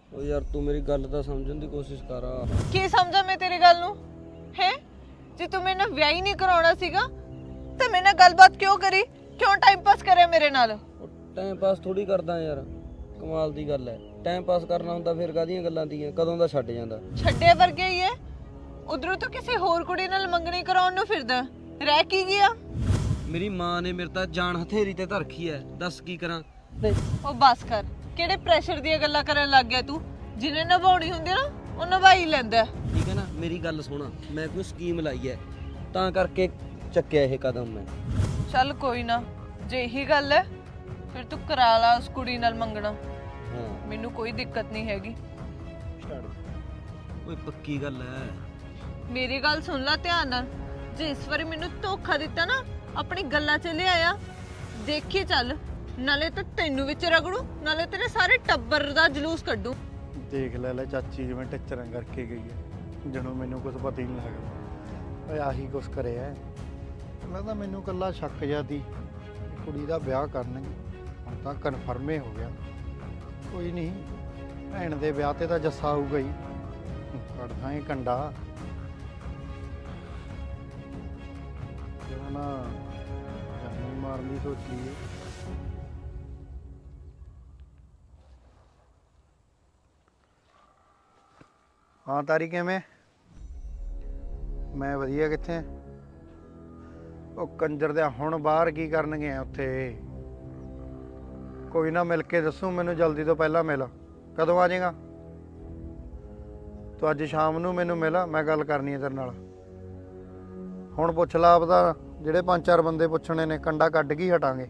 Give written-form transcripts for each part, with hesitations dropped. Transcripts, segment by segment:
ਉਹ ਯਾਰ ਤੂੰ ਮੇਰੀ ਗੱਲ ਤਾਂ ਸਮਝਣ ਦੀ ਕੋਸ਼ਿਸ਼ ਕਰ। ਕੀ ਸਮਝਾਂ ਮੈਂ ਤੇਰੀ ਗੱਲ ਨੂੰ ਹੈ? ਜੇ ਤੂੰ ਮੇਰੇ ਨਾਲ ਵਿਆਹ ਹੀ ਨਹੀਂ ਕਰਾਉਣਾ ਸੀਗਾ ਤਾਂ ਮੇਰੇ ਨਾਲ ਗੱਲਬਾਤ ਕਿਉਂ ਕਰੀ? ਕਿਉਂ ਟਾਈਮ ਪਾਸ ਕਰਿਆ ਮੇਰੇ ਨਾਲ? ਉਹ ਟਾਈਮ ਪਾਸ ਥੋੜੀ ਕਰਦਾ ਯਾਰ, ਕਮਾਲ ਦੀ ਗੱਲ ਹੈ। ਟਾਈਮ ਪਾਸ ਕਰਨਾ ਹੁੰਦਾ ਫਿਰ ਕਾਹਦੀਆਂ ਗੱਲਾਂ ਦੀਆਂ, ਕਦੋਂ ਦਾ ਛੱਡ ਜਾਂਦਾ। ਛੱਡੇ ਵਰਗੇ ਹੀ ਹੈ। ਉਧਰੋਂ ਤਾਂ ਕਿਸੇ ਹੋਰ ਕੁੜੀ ਨਾਲ ਮੰਗਣੀ ਕਰਾਉਣ ਨੂੰ ਫਿਰਦਾ, ਰਹਿ ਕੀ ਗਿਆ? ਮੇਰੀ ਮਾਂ ਨੇ ਮੇਰੇ ਤਾਂ ਜਾਨ ਹਥੇਰੀ ਤੇ ਧਰਖੀ ਐ, ਦੱਸ ਕੀ ਕਰਾਂ। ਉਹ ਬਸ ਕਰ, ਕਿਹੜੇ ਪ੍ਰੈਸ਼ਰ ਦੀਆਂ ਗੱਲਾਂ ਕਰਨ ਲੱਗ ਗਿਆ ਤੂੰ? ਜਿਹਨੇ ਨਿਭਾਉਣੀ ਹੁੰਦੀ ਨਾ ਉਹ ਨਿਭਾਈ ਲੈਂਦਾ। ਠੀਕ ਹੈ ਨਾ, ਮੇਰੀ ਗੱਲ ਸੁਣ, ਮੈਂ ਕੋਈ ਸਕੀਮ ਲਾਈ ਐ ਤਾਂ ਕਰਕੇ ਚੱਕਿਆ ਇਹ ਕਦਮ ਮੈਂ। ਚੱਲ ਕੋਈ ਨਾ, ਜੇ ਇਹੀ ਗੱਲ ਹੈ ਫਿਰ ਤੂੰ ਕਰਾ ਲਾ ਉਸ ਕੁੜੀ ਨਾਲ ਮੰਗਣਾ। ਹਾਂ ਮੈਨੂੰ ਕੋਈ ਦਿੱਕਤ ਨਹੀਂ ਹੈਗੀ। ਓਏ ਪੱਕੀ ਗੱਲ ਐ। ਮੇਰੀ ਗੱਲ ਸੁਣ ਲੈ ਧਿਆਨ ਨਾਲ। ਜੇ ਇਸ ਵਾਰੀ ਮੈਨੂੰ ਧੋਖਾ ਦਿੱਤਾ ਨਾ, ਆਪਣੀ ਗੱਲਾਂ 'ਚ ਲਿਆਇਆ, ਦੇਖੀ ਚੱਲ, ਨਾਲੇ ਤਾਂ ਤੈਨੂੰ ਵਿੱਚ ਰਗੜੂ, ਨਾਲੇ ਤੇਰੇ ਸਾਰੇ ਟੱਬਰ ਦਾ ਜਲੂਸ ਕੱਢੂ। ਦੇਖ ਲੈ ਚਾਚੀ ਜਿਵੇਂ ਟੱਚਰਾਂ ਕਰਕੇ ਗਈ ਹੈ, ਜਦੋਂ ਮੈਨੂੰ ਕੁਝ ਪਤਾ ਹੀ ਨਹੀਂ ਲੱਗਦਾ। ਓਏ ਆਹੀ ਕੁਛ ਕਰਿਆ ਹੈ। ਪਹਿਲਾਂ ਤਾਂ ਮੈਨੂੰ ਕੱਲਾ ਸ਼ੱਕ ਜਿਹਾ ਸੀ ਕੁੜੀ ਦਾ ਵਿਆਹ ਕਰਨਗੇ, ਹੁਣ ਤਾਂ ਕਨਫਰਮ ਹੀ ਹੋ ਗਿਆ। ਕੋਈ ਨਹੀਂ, ਭੈਣ ਦੇ ਵਿਆਹ ਤੇ ਤਾਂ ਜੱਸਾ ਆਊਗਾ ਹੀ, ਕੱਢਦਾ ਹੀ ਕੰਡਾ। ਜਦੋਂ ਨਾ ਜਾਨੀ ਮਾਰਨ ਦੀ ਸੋਚੀ ਹੈ। ਹਾਂ ਤਾਰੀ ਕਿਵੇਂ? ਮੈਂ ਵਧੀਆ। ਕਿੱਥੇ? ਉਹ ਕੰਜਰ ਦੇ ਹੁਣ ਬਾਹਰ ਕੀ ਕਰਨਗੇ ਉੱਥੇ? ਕੋਈ ਨਾ, ਮਿਲ ਕੇ ਦੱਸੂ ਮੈਨੂੰ, ਜਲਦੀ ਤੋਂ ਪਹਿਲਾਂ ਮਿਲ। ਕਦੋਂ ਆ ਜਾਏਗਾ ਤੂੰ? ਅੱਜ ਸ਼ਾਮ ਨੂੰ ਮੈਨੂੰ ਮਿਲ, ਮੈਂ ਗੱਲ ਕਰਨੀ ਹੈ ਤੇਰੇ ਨਾਲ। ਹੁਣ ਪੁੱਛ ਲਾ ਆਪਦਾ, ਜਿਹੜੇ 5-4 ਬੰਦੇ ਪੁੱਛਣੇ ਨੇ, ਕੰਡਾ ਕੱਢ ਕੇ ਹੀ ਹਟਾਂਗੇ।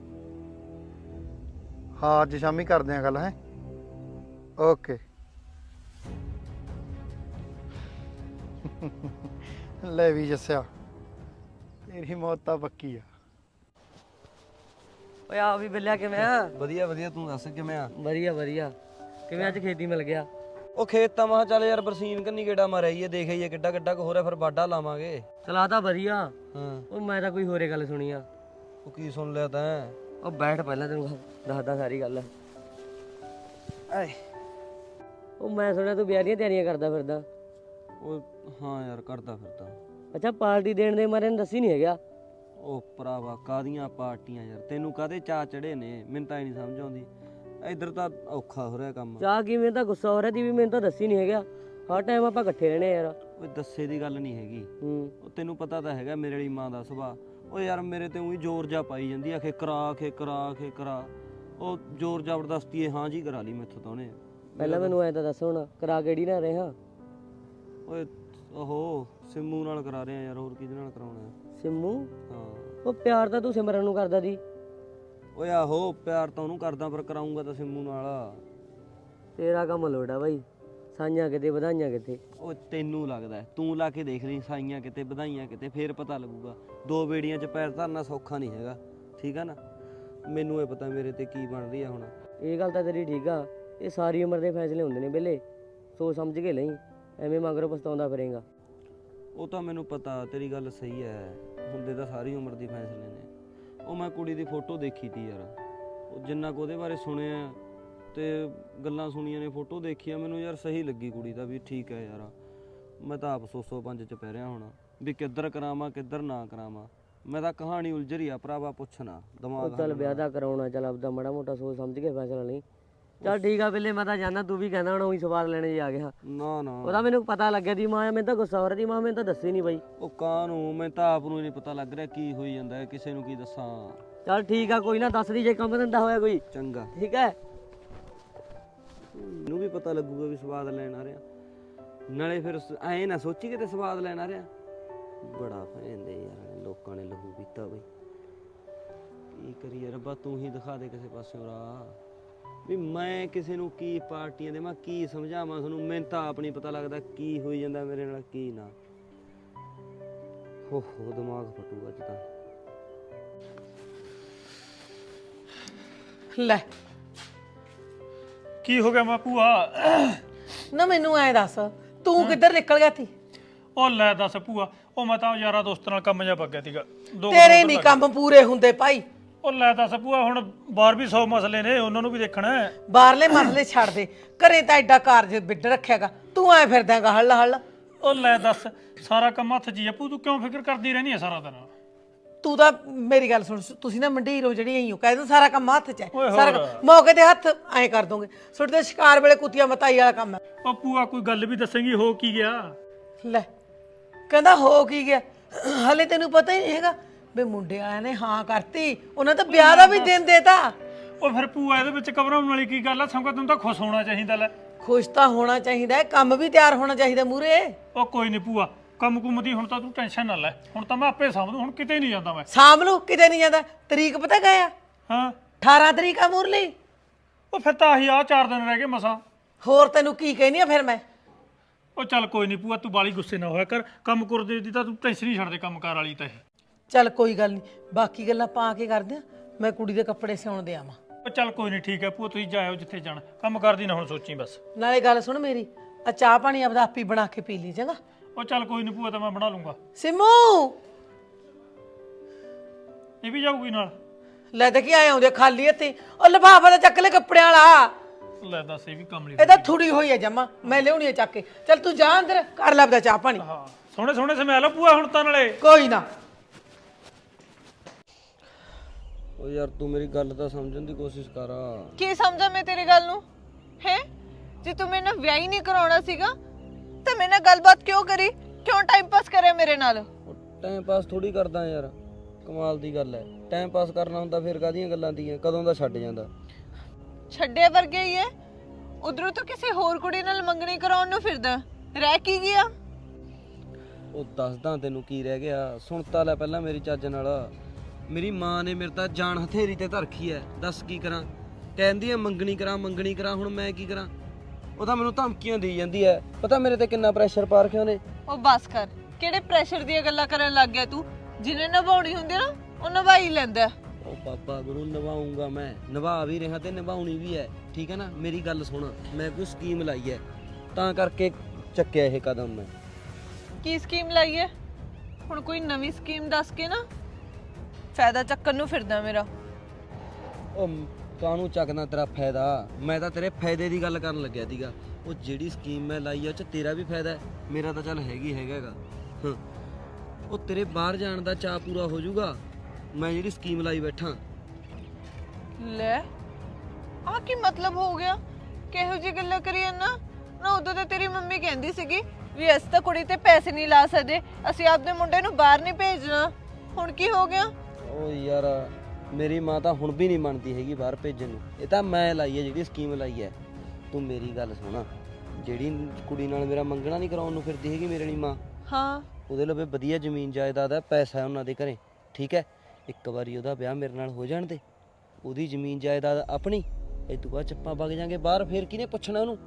ਹਾਂ ਅੱਜ ਸ਼ਾਮੀ ਕਰਦੇ ਆਂ ਗੱਲ। ਹੈ ਓਕੇ। ਲੈ ਵੀ ਜੱਸਿਆ, ਤੇਰੀ ਮੌਤ ਤਾਂ ਪੱਕੀ ਆ। ਓਏ ਆ ਵੀ ਬਿੱਲਿਆ ਕਿਵੇਂ ਆ? ਵਧੀਆ ਵਧੀਆ, ਤੂੰ ਦੱਸ ਕਿਵੇਂ ਆ? ਵਧੀਆ ਵਧੀਆ। ਕਿਵੇਂ ਅੱਜ ਖੇਤੀ ਮਿਲ ਗਿਆ? ਉਹ ਖੇਤ ਤਾਂ ਮਹਾ ਚੱਲ ਯਾਰ ਬਰਸੀਨ ਕੰਨੀ ਗੇੜਾ ਮਾਰਿਆ ਦੇਖ ਆਈਏ ਕਿੱਡਾ ਕਿੱਡਾ ਕੁ ਹੋ ਰਿਹਾ, ਫਿਰ ਵਾਢਾ ਲਾਵਾਂਗੇ। ਚਲਾ ਤਾਂ ਵਧੀਆ। ਹਾਂ ਉਹ ਮੈਂ ਤਾਂ ਕੋਈ ਹੋਰੇ ਗੱਲ ਸੁਣੀ ਆ। ਉਹ ਕੀ ਸੁਣ ਲਿਆ ਤੈਂ? ਉਹ ਬੈਠ, ਪਹਿਲਾਂ ਤੈਨੂੰ ਦੱਸਦਾ ਸਾਰੀ ਗੱਲ। ਆਏ ਉਹ ਮੈਂ ਸੁਣਿਆ ਤੂੰ ਵਿਆਹ ਦੀਆਂ ਤਿਆਰੀਆਂ ਕਰਦਾ ਫਿਰਦਾ। ਉਹ ਹਾਂ ਯਾਰ, ਕਰਦਾ ਫਿਰਦਾ। ਅੱਛਾ, ਪਾਰਟੀ ਦੇਣ ਦੇ ਮਾਰੇ ਨੂੰ ਦੱਸੀ ਨਹੀਂ ਹੈਗਾ? ਉਹ ਭਰਾਵਾ ਕਾਹਦੀਆਂ ਪਾਰਟੀਆਂ ਯਾਰ, ਤੈਨੂੰ ਕਾਹਦੇ ਚਾਅ ਚੜੇ ਨੇ, ਮੈਨੂੰ ਤਾਂ ਇਹ ਨਹੀਂ ਸਮਝ ਆਉਂਦੀ। ਇੱਧਰ ਤਾਂ ਔਖਾ ਹੋ ਰਿਹਾ ਕੰਮ। ਚਾਹ ਕੀ, ਮੈਨੂੰ ਤਾਂ ਗੁੱਸਾ ਹੋ ਰਿਹਾ ਸੀ ਵੀ ਮੈਨੂੰ ਤਾਂ ਦੱਸੀ ਨਹੀਂ ਹੈਗਾ। ਹਰ ਟਾਈਮ ਆਪਾਂ ਇਕੱਠੇ ਰਹਿਣੇ ਯਾਰ। ਓਏ ਦੱਸੇ ਦੀ ਗੱਲ ਨਹੀਂ ਹੈਗੀ। ਹੂੰ। ਉਹ ਤੈਨੂੰ ਪਤਾ ਤਾਂ ਹੈਗਾ ਮੇਰੇ ਵਾਲੀ ਮਾਂ ਦਾ ਸੁਭਾਅ। ਉਹ ਯਾਰ ਮੇਰੇ ਤੇ ਉਹੀ ਜ਼ੋਰ ਜਾ ਪਾਈ ਜਾਂਦੀ ਆ, ਖੇ ਕਰਾ। ਉਹ ਜ਼ੋਰ ਜ਼ਬਰਦਸਤੀ ਹਾਂ ਜੀ ਕਰਾ ਲਈ ਮੈਥੋਂ ਤਾਂ ਉਹਨੇ। ਪਹਿਲਾਂ ਮੈਨੂੰ ਐਂ ਤਾਂ ਦੱਸ, ਹੁਣ ਕਰਾ ਕਿਹੜੀ ਨਾਲ ਰਿਹਾ? ਓਏ ਉਹ ਸਿੰਮੂ ਨਾਲ ਕਰਾ ਰਿਹਾ ਯਾਰ, ਹੋਰ ਕਿਹਦੇ ਨਾਲ ਕਰਾਉਣਾ? ਸਿੰਮੂ? ਹਾਂ। ਉਹ ਪਿਆਰ ਤਾਂ ਤੂੰ ਸਿਮਰਨ ਨੂੰ ਕਰਦਾ ਸੀ। ਓਏ ਆਹੋ, ਪਿਆਰ ਤਾਂ ਉਹਨੂੰ ਕਰਦਾ, ਪਰ ਕਰਾਉਂਗਾ ਤਾਂ ਸਿੰਮੂ ਨਾਲ। ਤੇਰਾ ਕੰਮ ਲੋੜਾ ਬਾਈ, ਸਾਈਆਂ ਕਿਤੇ ਵਧਾਈਆਂ ਕਿਤੇ। ਉਹ ਤੈਨੂੰ ਲੱਗਦਾ, ਤੂੰ ਲਾ ਕੇ ਦੇਖ ਲਈ, ਸਾਈਆਂ ਕਿਤੇ ਵਧਾਈਆਂ ਕਿਤੇ, ਫੇਰ ਪਤਾ ਲੱਗੂਗਾ। 2 ਬੇੜੀਆਂ 'ਚ ਪੈਰ ਧਰਨਾ ਸੌਖਾ ਨਹੀਂ ਹੈਗਾ, ਠੀਕ ਆ ਨਾ? ਮੈਨੂੰ ਇਹ ਪਤਾ ਮੇਰੇ ਤੇ ਕੀ ਬਣ ਰਹੀ ਆ ਹੁਣ। ਇਹ ਗੱਲ ਤਾਂ ਤੇਰੀ ਠੀਕ ਆ। ਇਹ ਸਾਰੀ ਉਮਰ ਦੇ ਫੈਸਲੇ ਹੁੰਦੇ ਨੇ ਬਿੱਲੇ, ਸੋਚ ਸਮਝ ਕੇ ਲਈ, ਐਵੇਂ ਮਗਰੋਂ ਪਛਤਾਉਂਦਾ ਫਿਰੇਗਾ। ਉਹ ਤਾਂ ਮੈਨੂੰ ਪਤਾ, ਤੇਰੀ ਗੱਲ ਸਹੀ ਹੈ, ਹੁੰਦੇ ਤਾਂ ਸਾਰੀ ਉਮਰ ਦੀ ਫੈਸਲੇ ਨੇ। ਉਹ ਮੈਂ ਕੁੜੀ ਦੀ ਫੋਟੋ ਦੇਖੀ ਤੀ ਯਾਰ, ਉਹ ਜਿੰਨਾ ਕੁ ਉਹਦੇ ਬਾਰੇ ਸੁਣਿਆ ਤੇ ਗੱਲਾਂ ਸੁਣੀਆਂ ਨੇ, ਫੋਟੋ ਦੇਖੀ ਆ, ਮੈਨੂੰ ਯਾਰ ਸਹੀ ਲੱਗੀ ਕੁੜੀ ਦਾ ਵੀ। ਠੀਕ ਹੈ ਯਾਰ, ਮੈਂ ਤਾਂ ਆਪ 100-105 'ਚ ਪੈ ਰਿਹਾ ਹੁਣ ਵੀ ਕਿੱਧਰ ਕਰਾਵਾਂ ਕਿੱਧਰ ਨਾ ਕਰਾਵਾਂ। ਮੈਂ ਤਾਂ ਕਹਾਣੀ ਉਲਝ ਰਹੀ ਆ ਭਰਾਵਾ, ਪੁੱਛਣਾ ਦਿਮਾਗ। ਚੱਲ ਵਿਆਹ ਦਾ ਕਰਾਉਣਾ, ਚੱਲ ਆਪਦਾ ਮਾੜਾ ਮੋਟਾ ਸੋਚ ਸਮਝ ਕੇ ਫੈਸਲਾ ਲਈ। ਚੱਲ ਠੀਕ ਆ ਬਿੱਲੇ, ਮੈਂ ਤਾਂ ਜਾਣਾ, ਤੂੰ ਵੀ ਕਹਿੰਦਾ ਹੁਣ ਉਹੀ ਸਵਾਦ ਲੈਣੇ ਆ ਗਿਆ। ਨਾ ਉਹਦਾ ਮੈਨੂੰ ਪਤਾ ਲੱਗਿਆ ਦੀ ਮਾਂ, ਮੈਨੂੰ ਤਾਂ ਗੁੱਸਾ ਹੋ ਰਿਹਾ ਦੀ ਮਾਂ, ਮੈਨੂੰ ਤਾਂ ਦੱਸੀ ਨਹੀਂ ਬਾਈ। ਉਹ ਕਾਹਨੂੰ, ਮੈਂ ਤਾਂ ਆਪ ਨੂੰ ਨਹੀਂ ਪਤਾ ਲੱਗ ਰਿਹਾ ਕੀ ਹੋਈ ਜਾਂਦਾ ਹੈ, ਕਿਸੇ ਨੂੰ ਕੀ ਦੱਸਾਂ। ਚੱਲ ਠੀਕ ਆ, ਕੋਈ ਨਾ ਦੱਸ ਦੀ ਜੇ ਕੰਮ ਧੰਦਾ ਹੋਇਆ ਕੋਈ। ਚੰਗਾ, ਠੀਕ ਹੈ। ਮੈਨੂੰ ਵੀ ਪਤਾ ਲੱਗੂਗਾ ਵੀ ਸਵਾਦ ਲੈਣ ਆ ਰਿਹਾ, ਨਾਲੇ ਫਿਰ ਐਂ ਨਾ ਸੋਚੀ ਕਿਤੇ ਸਵਾਦ ਲੈਣ ਆ ਰਿਹਾ। ਬੜਾ ਫੈਂਦੇ ਯਾਰ, ਲੋਕਾਂ ਨੇ ਲਹੂ ਪੀਤਾ ਬਈ। ਕੀ ਕਰੀਏ ਰੱਬਾ, ਤੂੰ ਹੀ ਦਿਖਾ ਦੇ ਕਿਸੇ ਪਾਸਿਓਂ ਰਾਹ ਵੀ ਮੈਂ ਕਿਸੇ ਨੂੰ ਕੀ ਪਾਰਟੀਆਂ ਦੇਵਾਂ, ਕੀ ਸਮਝਾਵਾਂ ਤੁਹਾਨੂੰ। ਮੈਨੂੰ ਤਾਂ ਆਪ ਨਹੀਂ ਪਤਾ ਲੱਗਦਾ ਕੀ ਹੋਈ ਜਾਂਦਾ ਮੇਰੇ ਨਾਲ, ਕੀ ਨਾ। ਹੋ ਦਿਮਾਗ ਫਟੂ ਅੱਜ ਤਾਂ। ਲੈ ਕੀ ਹੋ ਗਿਆ ਭੂਆ? ਨਾ ਮੈਨੂੰ ਐ ਦੱਸ, ਤੂੰ ਕਿੱਧਰ ਨਿਕਲ ਗਿਆ ਸੀ? ਉਹ ਲੈ ਦੱਸ ਭੂਆ, ਉਹ ਮੈਂ ਤਾਂ ਯਾਰਾਂ ਦੋਸਤਾਂ ਨਾਲ ਕੰਮ ਜਾ ਪੱਗਿਆ ਸੀਗਾ। ਤੇਰੇ ਨਹੀਂ ਕੰਮ ਪੂਰੇ ਹੁੰਦੇ ਭਾਈ, ਉਹ ਲੈ ਦੱਸ ਭੂਆ ਹੁਣ ਬਾਹਰ ਵੀ 100 ਮਸਲੇ ਨੇ ਉਹਨਾਂ ਨੂੰ ਵੀ ਦੇਖਣਾ ਹੈ। ਬਾਹਰਲੇ ਮਸਲੇ ਛੱਡ ਦੇ, ਘਰੇ ਤਾਂ ਐਡਾ ਕਾਰਜ ਬਿੱਡ ਰੱਖਿਆਗਾ, ਤੂੰ ਐ ਫਿਰਦਾਗਾ ਹੱਲ ਹੱਲ। ਉਹ ਲੈ ਦੱਸ ਸਾਰਾ ਕੰਮ ਹੱਥ 'ਚ ਹੀ ਆ ਭੂ, ਤੂੰ ਕਿਉਂ ਫਿਕਰ ਕਰਦੀ ਰਹਿੰਦੀ ਹੈ ਸਾਰਾ ਦਿਨ? ਤੂੰ ਤਾਂ ਮੇਰੀ ਗੱਲ ਸੁਣ, ਤੁਸੀਂ ਨਾ ਮੰਡੀਰ ਹੋ ਜਿਹੜੀ ਐਂ ਹੋ ਕਹਿ ਦੋ ਸਾਰਾ ਕੰਮ ਹੱਥ 'ਚ ਹੈ, ਓਏ ਸਾਰਾ ਹੋਰ। ਮੌਕੇ ਤੇ ਹੱਥ ਐਂ ਕਰ ਦੋਗੇ, ਤੁਹਾਡੇ ਤੇ ਸ਼ਿਕਾਰ ਵੇਲੇ ਕੁੱਤੀਆਂ ਮਤਾਈ ਵਾਲਾ ਕੰਮ ਹੈ। ਉਹ ਭੂਆ ਕੋਈ ਗੱਲ ਵੀ ਦੱਸੇਂਗੀ ਹੋ ਕੀ ਗਿਆ? ਲੈ ਕਹਿੰਦਾ ਹੋ ਕੀ ਗਿਆ, ਹਲੇ ਤੈਨੂੰ ਪਤਾ ਹੀ ਨਹੀਂ ਹੈਗਾ ਵੀ ਮੁੰਡੇ ਵਾਲਿਆਂ ਨੇ ਹਾਂ ਕਰਤੀ, ਉਹਨਾਂ ਤਾਂ ਵਿਆਹ ਦਾ ਵੀ ਦਿਨ ਦੇਤਾ। ਉਹ ਫਿਰ ਭੂਆ ਇਹਦੇ ਵਿੱਚ ਘਬਰਾਉਣ ਵਾਲੀ ਕੀ ਗੱਲ ਆ? ਸਗੋਂ ਤੈਨੂੰ ਤਾਂ ਖੁਸ਼ ਹੋਣਾ ਚਾਹੀਦਾ ਲੈ। ਖੁਸ਼ ਤਾਂ ਹੋਣਾ ਚਾਹੀਦਾ ਹੈ, ਕੰਮ ਵੀ ਤਿਆਰ ਹੋਣਾ ਚਾਹੀਦਾ ਮੂਰੇ। ਉਹ ਕੋਈ ਨਹੀਂ ਭੂਆ, ਕੰਮ ਕੁੰਮ ਦੀ ਹੁਣ ਤਾਂ ਤੂੰ ਟੈਨਸ਼ਨ ਨਾ ਲੈ, ਹੁਣ ਤਾਂ ਮੈਂ ਆਪੇ ਸਾਂਭ ਦੂੰ, ਹੁਣ ਕਿਤੇ ਨਹੀਂ ਜਾਂਦਾ ਮੈਂ। ਸ਼ਾਮ ਨੂੰ ਕਿਤੇ ਨਹੀਂ ਜਾਂਦਾ, ਤਰੀਕ ਪਤਾ ਗਿਆ ਹਾਂ 18 ਤਰੀਕ ਆ ਮੁਰਲੀ। ਉਹ ਫਿਰ ਤਾਂ ਆਹੀ ਆ 4 ਦਿਨ ਰਹਿ ਗਏ ਮਸਾਂ। ਹੋਰ ਤੈਨੂੰ ਕੀ ਕਹਿਨੀ ਆ ਫਿਰ ਮੈਂ? ਉਹ ਚੱਲ ਕੋਈ ਨਹੀਂ ਭੂਆ, ਤੂੰ ਬਾਲੀ ਗੁੱਸੇ ਨਾ ਹੋਇਆ ਕਰ, ਕੰਮ ਕਰਦੇ ਦੀ ਤਾਂ ਤੂੰ ਟੈਨਸ਼ਨ ਹੀ ਛੱਡ ਦੇ, ਕੰਮ ਕਾਰ ਵਾਲੀ ਤਾਂ ਇਹ। ਚੱਲ ਕੋਈ ਗੱਲ ਨਹੀਂ, ਬਾਕੀ ਗੱਲਾਂ ਪਾ ਕੇ ਕਰਦੇ ਆ, ਮੈਂ ਕੁੜੀ ਦੇ ਕੱਪੜੇ ਸਿਉਣ ਦੇ ਆਵਾਂ। ਉਹ ਚੱਲ ਕੋਈ ਨਹੀਂ ਠੀਕ ਹੈ ਭੂਆ, ਤੁਸੀਂ ਜਾਇਓ ਜਿੱਥੇ ਜਾਣਾ, ਕੰਮ ਕਰਦੀ ਨਾ ਹੁਣ ਸੋਚੀ ਬਸ। ਨਾਲੇ ਗੱਲ ਸੁਣ ਮੇਰੀ, ਆ ਚਾਹ ਪਾਣੀ ਆਪਦਾ ਆਪੀ ਬਣਾ ਕੇ ਪੀ ਲਈ ਚੰਗਾ। ਉਹ ਚੱਲ ਕੋਈ ਨਹੀਂ ਭੂਆ, ਤਾਂ ਮੈਂ ਬਣਾ ਲੂੰਗਾ। ਸਿਮੂ ਇਹ ਵੀ ਜਾਊਗੀ ਨਾਲ? ਲੈ ਤੇ ਕੀ ਆਏ ਆਉਂਦੇ ਖਾਲੀ ਹੱਥੀ, ਉਹ ਲਿਫਾਫਾ ਤਾਂ ਚੱਕ ਲੈ ਕੱਪੜਿਆਂ ਵਾਲਾ, ਲੈ ਦੱਸ ਇਹ ਵੀ ਕੰਮ ਲਈ। ਇਹ ਤਾਂ ਥੋੜੀ ਹੋਈ ਹੈ ਜਮਾ, ਮੈਂ ਲਿਆਉਣੀ ਹੈ ਚੱਕ ਕੇ। ਚੱਲ ਤੂੰ ਜਾ ਅੰਦਰ ਕਰ ਲੈ ਆਪਦਾ ਚਾਹ ਪਾਣੀ। ਹਾਂ ਸੋਹਣੇ ਸੋਹਣੇ ਸਮੈਲ ਭੂਆ ਹੁਣ ਤਾਂ ਨਾਲੇ। ਕੋਈ ਨਾ। ਓ ਯਾਰ ਤੂੰ ਮੇਰੀ ਗੱਲ ਤਾਂ ਸਮਝਣ ਦੀ ਕੋਸ਼ਿਸ਼ ਕਰ। ਕੀ ਸਮਝਾਂ ਮੈਂ ਤੇਰੀ ਗੱਲ ਨੂੰ ਹੈ? ਜੇ ਤੂੰ ਮੇਰੇ ਨਾਲ ਵਿਆਹ ਹੀ ਨਹੀਂ ਕਰਾਉਣਾ ਸੀਗਾ ਤਾਂ ਮੇਰੇ ਨਾਲ ਗੱਲਬਾਤ ਕਿਉਂ ਕਰੀ, ਕਿਉਂ ਟਾਈਮ ਪਾਸ ਕਰਿਆ ਮੇਰੇ ਨਾਲ? ਟਾਈਮ ਪਾਸ ਥੋੜੀ ਕਰਦਾ ਯਾਰ, ਕਮਾਲ ਦੀ ਗੱਲ ਹੈ। ਟਾਈਮ ਪਾਸ ਕਰਨਾ ਹੁੰਦਾ ਫਿਰ ਕਾਹਦੀਆਂ ਗੱਲਾਂ ਦੀਆਂ, ਕਦੋਂ ਦਾ ਛੱਡ ਜਾਂਦਾ। ਛੱਡਿਆ ਵਰਗੇ ਹੀ ਹੈ, ਉਧਰੋਂ ਤਾਂ ਕਿਸੇ ਹੋਰ ਕੁੜੀ ਨਾਲ ਮੰਗਣੀ ਕਰਾਉਣ ਨੂੰ ਫਿਰਦਾ, ਰਹਿ ਕੀ ਗਿਆ? ਉਹ ਦੱਸਦਾ ਤੈਨੂੰ ਕੀ ਰਹਿ ਗਿਆ, ਸੁਣ ਤਾਂ ਲੈ ਪਹਿਲਾਂ ਮੇਰੀ ਚੱਜ ਨਾਲ। ਮੇਰੀ ਮਾਂ ਨੇ ਮੇਰੇ ਤਾਂ ਜਾਨ ਹਥੇਰੀ ਤੇ ਧਰਖੀ ਐ, ਦੱਸ ਕੀ ਕਰਾਂ? ਕਹਿੰਦੀ ਐ ਮੰਗਣੀ ਕਰਾਂ ਮੰਗਣੀ ਕਰਾਂ, ਹੁਣ ਮੈਂ ਕੀ ਕਰਾਂ? ਉਹ ਤਾਂ ਮੈਨੂੰ ਧਮਕੀਆਂ ਦੇਈ ਜਾਂਦੀ ਐ, ਪਤਾ ਮੇਰੇ ਤੇ ਕਿੰਨਾ ਪ੍ਰੈਸ਼ਰ ਪਾ ਰੱਖਿਆ ਉਹਨੇ। ਉਹ ਬਸ ਕਰ, ਕਿਹੜੇ ਪ੍ਰੈਸ਼ਰ ਦੀਆਂ ਗੱਲਾਂ ਕਰਨ ਲੱਗ ਗਿਆ ਤੂੰ? ਜਿਹਨੇ ਨਿਭਾਉਣੀ ਹੁੰਦੀ ਨਾ ਉਹ ਨਿਭਾਈ ਲੈਂਦਾ। ਉਹ ਬਾਬਾ ਗੁਰੂ ਨਿਭਾਉਂਗਾ, ਮੈਂ ਨਿਭਾ ਵੀ ਰਿਹਾ ਤੇ ਨਿਭਾਉਣੀ ਵੀ ਐ, ਠੀਕ ਹੈ ਨਾ? ਮੇਰੀ ਗੱਲ ਸੁਣ, ਮੈਂ ਕੋਈ ਸਕੀਮ ਲਾਈ ਐ ਤਾਂ ਕਰਕੇ ਚੱਕਿਆ ਇਹ ਕਦਮ ਮੈਂ। ਕੀ ਸਕੀਮ ਲਾਈ ਹੈ? ਹੁਣ ਕੋਈ ਨਵੀਂ ਸਕੀਮ ਦੱਸ ਕੇ ਨਾ ਫਾਇਦਾ ਚੱਕਣ ਨੂੰ ਫਿਰਦਾ ਮੇਰਾ। ਉਹ ਕਾਹਨੂੰ ਚੱਕਦਾ ਤੇਰਾ ਫਾਇਦਾ, ਮੈਂ ਤਾਂ ਤੇਰੇ ਫਾਇਦੇ ਦੀ ਗੱਲ ਕਰਨ ਲੱਗਿਆ ਸੀਗਾ। ਉਹ ਜਿਹੜੀ ਸਕੀਮ ਮੈਂ ਲਾਈ ਆ ਉਹ 'ਚ ਤੇਰਾ ਵੀ ਫਾਇਦਾ ਹੈ, ਮੇਰਾ ਤਾਂ ਚੱਲ ਹੈਗਾ। ਹਾਂ ਉਹ ਤੇਰੇ ਬਾਹਰ ਜਾਣ ਦਾ ਚਾਅ ਪੂਰਾ ਹੋ ਜਾਊਗਾ, ਮੈਂ ਜਿਹੜੀ ਸਕੀਮ ਲਾਈ ਬੈਠਾ। ਲੈ ਆ ਕੀ ਮਤਲਬ ਹੋ ਗਿਆ? ਕਿਹੋ ਜਿਹੀ ਗੱਲਾਂ ਕਰੀ ਜਾਂਦਾ ਨਾ? ਉਦੋਂ ਤਾਂ ਤੇਰੀ ਮੰਮੀ ਕਹਿੰਦੀ ਸੀਗੀ ਵੀ ਅਸੀਂ ਤਾਂ ਕੁੜੀ ਤੇ ਪੈਸੇ ਨਹੀਂ ਲਾ ਸਕਦੇ, ਅਸੀਂ ਆਪਦੇ ਮੁੰਡੇ ਨੂੰ ਬਾਹਰ ਨਹੀਂ ਭੇਜਣਾ। ਹੁਣ ਕੀ ਹੋ ਗਿਆ? ਉਹ ਯਾਰ ਮੇਰੀ ਮਾਂ ਤਾਂ ਹੁਣ ਵੀ ਨਹੀਂ ਮੰਨਦੀ ਹੈਗੀ ਬਾਹਰ ਭੇਜਣ ਨੂੰ, ਇਹ ਤਾਂ ਮੈਂ ਲਾਈ ਹੈ ਜਿਹੜੀ ਸਕੀਮ ਲਾਈ ਹੈ। ਤੂੰ ਮੇਰੀ ਗੱਲ ਸੁਣਾ, ਜਿਹੜੀ ਕੁੜੀ ਨਾਲ ਮੇਰਾ ਮੰਗਣਾ ਨਹੀਂ ਕਰਾਉਣ ਨੂੰ ਫਿਰਦੀ ਹੈਗੀ ਮੇਰੇ ਲਈ ਮਾਂ, ਹਾਂ ਉਹਦੇ ਲਵੇ ਵਧੀਆ ਜ਼ਮੀਨ ਜਾਇਦਾਦ ਹੈ, ਪੈਸਾ ਹੈ ਉਹਨਾਂ ਦੇ ਘਰੇ, ਠੀਕ ਹੈ? ਇੱਕ ਵਾਰੀ ਉਹਦਾ ਵਿਆਹ ਮੇਰੇ ਨਾਲ ਹੋ ਜਾਣ ਦੇ, ਉਹਦੀ ਜ਼ਮੀਨ ਜਾਇਦਾਦ ਆਪਣੀ, ਇਹ ਤੋਂ ਬਾਅਦ ਚੱਪਾਂ ਵਗ ਜਾਾਂਗੇ ਬਾਹਰ, ਫੇਰ ਕਿਹਨੇ ਪੁੱਛਣਾ ਉਹਨੂੰ?